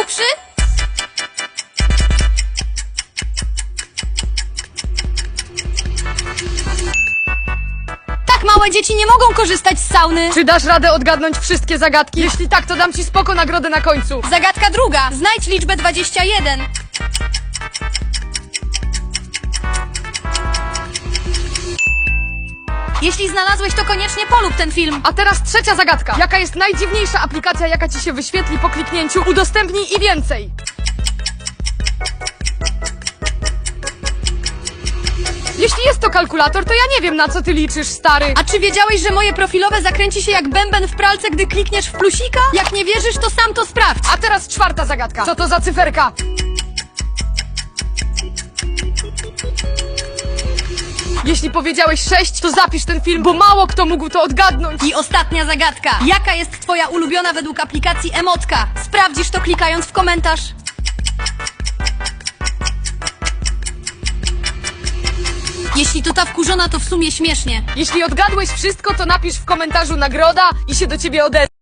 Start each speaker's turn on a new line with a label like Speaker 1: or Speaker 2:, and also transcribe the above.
Speaker 1: najgłupszy? Tak małe dzieci nie mogą korzystać z sauny.
Speaker 2: Czy dasz radę odgadnąć wszystkie zagadki? Jeśli tak, to dam ci spoko nagrodę na końcu.
Speaker 1: Zagadka druga. Znajdź liczbę 21. Jeśli znalazłeś, to koniecznie polub ten film.
Speaker 2: A teraz trzecia zagadka. Jaka jest najdziwniejsza aplikacja, jaka ci się wyświetli po kliknięciu udostępnij i więcej? Jeśli jest to kalkulator, to ja nie wiem, na co ty liczysz, stary.
Speaker 1: A czy wiedziałeś, że moje profilowe zakręci się jak bęben w pralce, gdy klikniesz w plusika? Jak nie wierzysz, to sam to sprawdź.
Speaker 2: A teraz czwarta zagadka. Co to za cyferka? Jeśli powiedziałeś 6, to zapisz ten film, bo mało kto mógł to odgadnąć.
Speaker 1: I ostatnia zagadka. Jaka jest twoja ulubiona według aplikacji Emotka? Sprawdzisz to klikając w komentarz. Jeśli to ta wkurzona, to w sumie śmiesznie.
Speaker 2: Jeśli odgadłeś wszystko, to napisz w komentarzu nagroda i się do ciebie odezwę.